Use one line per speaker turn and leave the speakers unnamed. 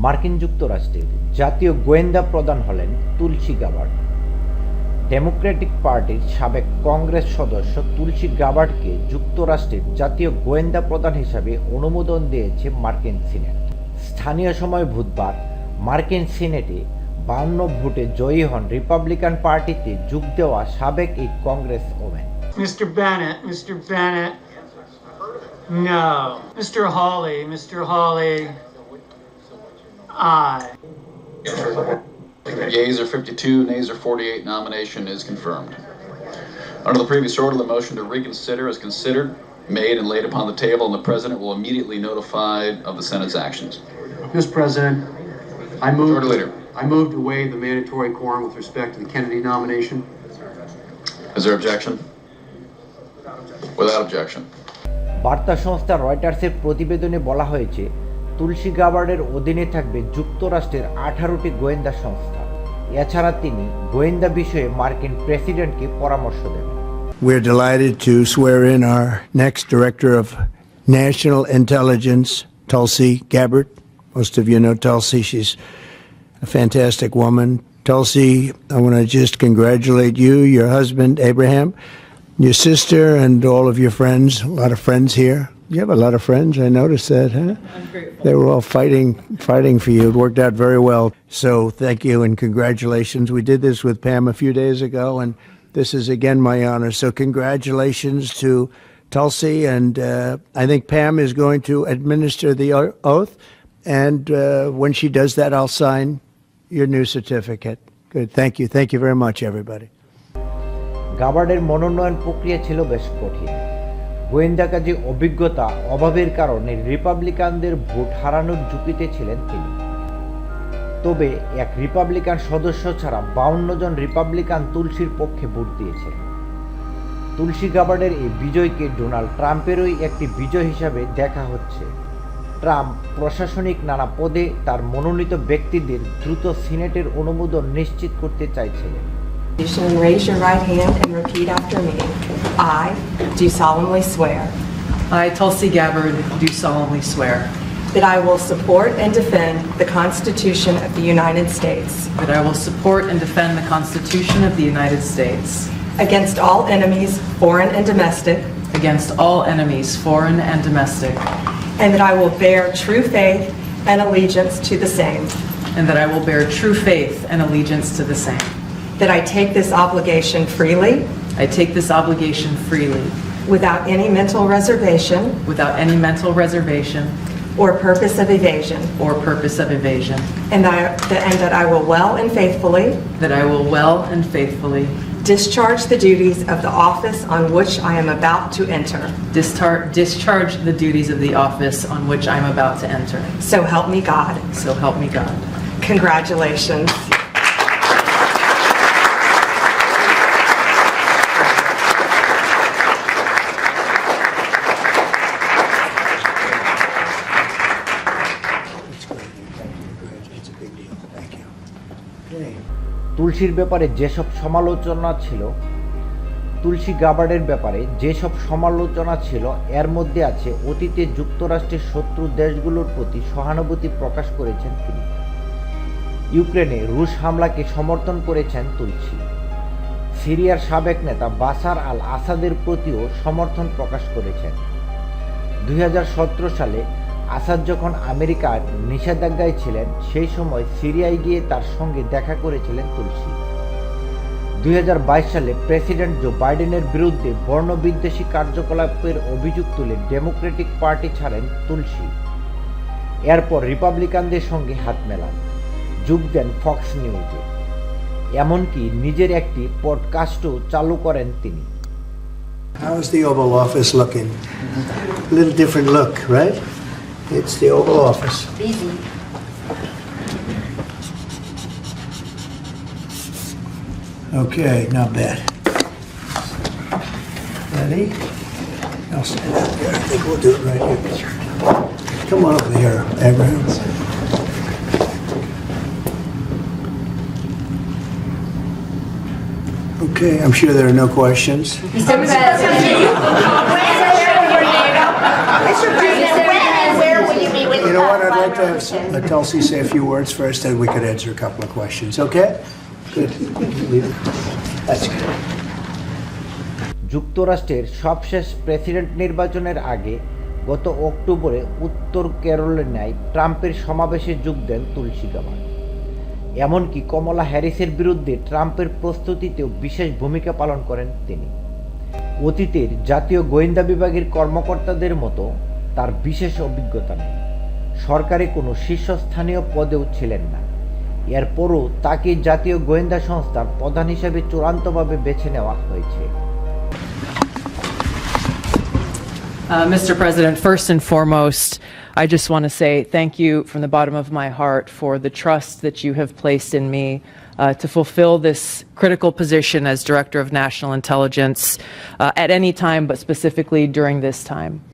মার্কিন যুক্তরাষ্ট্রের জাতীয় গোয়েন্দা প্রধান হলেন তুলসী গাবার্ড। ডেমোক্রেটিক পার্টির সাবেক কংগ্রেস সদস্য তুলসী গাবার্ডকে যুক্তরাষ্ট্রের জাতীয় গোয়েন্দা প্রধান হিসাবে অনুমোদন দিয়েছে মার্কিন সিনেট। স্থানীয় সময় বুধবার মার্কিন সিনেটে 52 ভোটে জয়ী হন রিপাবলিকান পার্টিতে যোগ দেওয়া সাবেক এই Congress women.
Mr. Bennett, no. Mr. Hawley, aye.
Yeas are 52, nays are 48. Nomination is confirmed. Under the previous order, the motion to reconsider is considered, made, and laid upon the table, and the President will immediately notify of the Senate's actions.
Mr. President,
Majority Leader.
I move to waive the mandatory quorum with respect to the Kennedy nomination.
Is there objection? Without objection.
বার্তা সংস্থা রয়টার্সের প্রতিবেদনে বলা হয়েছে, তুলসী গাবার্ডের অধীনে থাকবে যুক্তরাষ্ট্রের 18টি গোয়েন্দা সংস্থা। এছাড়া তিনি গোয়েন্দা বিষয়ে মার্কিন প্রেসিডেন্টকে পরামর্শ দেবেন।
We're delighted to swear in our next Director of National Intelligence, Tulsi Gabbard. Most of you know Tulsi. She's a fantastic woman. Tulsi, I want to just congratulate you, your husband, Abraham, your sister, and all of your friends. A lot of friends here. You have a lot of friends. I noticed that, huh?
I'm grateful.
They were all fighting for you. It worked out very well. So thank you and congratulations. We did this with Pam a few days ago, and this is again my honor. So congratulations to Tulsi, and I think Pam is going to administer the oath, and when she does that, I'll sign your new certificate. Good. Thank you very much, everybody.
গাবার্ডের মনোনয়ন প্রক্রিয়া ছিল বেশ কঠিন। গোয়েন্দা কাজে অভিজ্ঞতা অভাবের কারণে রিপাবলিকানদের ভোট হারানোর ঝুঁকিতে ছিলেন তিনি। তবে এক রিপাবলিকান সদস্য ছাড়া 52 জন রিপাবলিকান তুলসীর পক্ষে ভোট দিয়েছেন। তুলসী গাবার্ডের এই বিজয়কে ডোনাল্ড ট্রাম্পেরই একটি বিজয় হিসাবে দেখা হচ্ছে। ট্রাম্প প্রশাসনিক নানা পদে তার মনোনীত ব্যক্তিদের দ্রুত সিনেটের অনুমোদন নিশ্চিত করতে চাইছিলেন।
Raise your right hand and repeat after me. I do solemnly swear
I, Tulsi Gabbard, do solemnly swear
that I will support and defend the Constitution of the United States
that I will support and defend the Constitution of the United States
against all enemies, foreign and domestic,
against all enemies, foreign and domestic,
and that I will bear true faith and allegiance to the same,
and that I will bear true faith and allegiance to the same.
that I take this obligation freely
I take this obligation freely
without any mental reservation
without any mental reservation
or purpose of evasion,
or purpose of evasion,
and that I will well and faithfully
that I will well and faithfully
discharge the duties of the office on which I am about to enter.
discharge the duties of the office on which I am about to enter.
So help me God.
So help me God.
Congratulations.
তুলসীর ব্যাপারে যেসব সমালোচনা ছিল তুলসী গাবার্ডের ব্যাপারে যেসব সমালোচনা ছিল এর মধ্যে আছে অতীতে যুক্তরাষ্ট্রের শত্রু দেশগুলোর প্রতি সহানুভূতি প্রকাশ করেছেন তিনি। ইউক্রেনে রুশ হামলাকে সমর্থন করেছেন তুলসী। সিরিয়ার সাবেক নেতা বাশার আল আসাদের প্রতিও সমর্থন প্রকাশ করেছেন। 2017 সালে আসাদ যখন আমেরিকার নিষেধাজ্ঞায় ছিলেন সেই সময় সিরিয়ায় গিয়ে তার সঙ্গে দেখা করেছিলেন তুলসী। 2022 সালে প্রেসিডেন্ট জো বাইডেনের বিরুদ্ধে বর্ণবিদ্বেষী কার্যকলাপের অভিযোগ তুলে ডেমোক্রেটিক পার্টি ছাড়েন তুলসী। এরপর রিপাবলিকানদের সঙ্গে হাত মেলান, যোগ দেন ফক্স নিউজে, এমনকি নিজের একটি পডকাস্টও চালু করেন তিনি।
How's the Oval Office looking? A little different look, right? It's the Oval Office.
Busy.
Okay, not bad. Ready? I'll stand out there. I think we'll do it right here. Come on over here, Abraham. Okay, I'm sure there are no questions.
Mr. President. Mr. President, when and where will you be with
you know what? I'd like to have Tulsi say a few words first, and we could answer a couple of questions. Okay? Good. That's good.
যুক্তরাষ্ট্রের সবশেষ president নির্বাচনের আগে গত অক্টোবরে উত্তর ক্যারোলিনায় ট্রাম্পের সমাবেশে যোগ দেন তুলসী গাবার্ড। এমনকি কমলা হ্যারিসের বিরুদ্ধে ট্রাম্পের প্রস্তুতিতেও বিশেষ ভূমিকা পালন করেন তিনি। অতীতের জাতীয় গোয়েন্দা বিভাগের কর্মকর্তাদের মতো তার বিশেষ অভিজ্ঞতা নেই, সরকারি কোনো শীর্ষস্থানীয় পদেও ছিলেন না। এরপরও তাকে জাতীয় গোয়েন্দা সংস্থার প্রধান হিসেবে চূড়ান্তভাবে বেছে নেওয়া হয়েছে।
Mr. President, first and foremost, I just want to say thank you from the bottom of my heart for the trust that you have placed in me to fulfill this critical position as Director of National Intelligence at any time, but specifically during this time.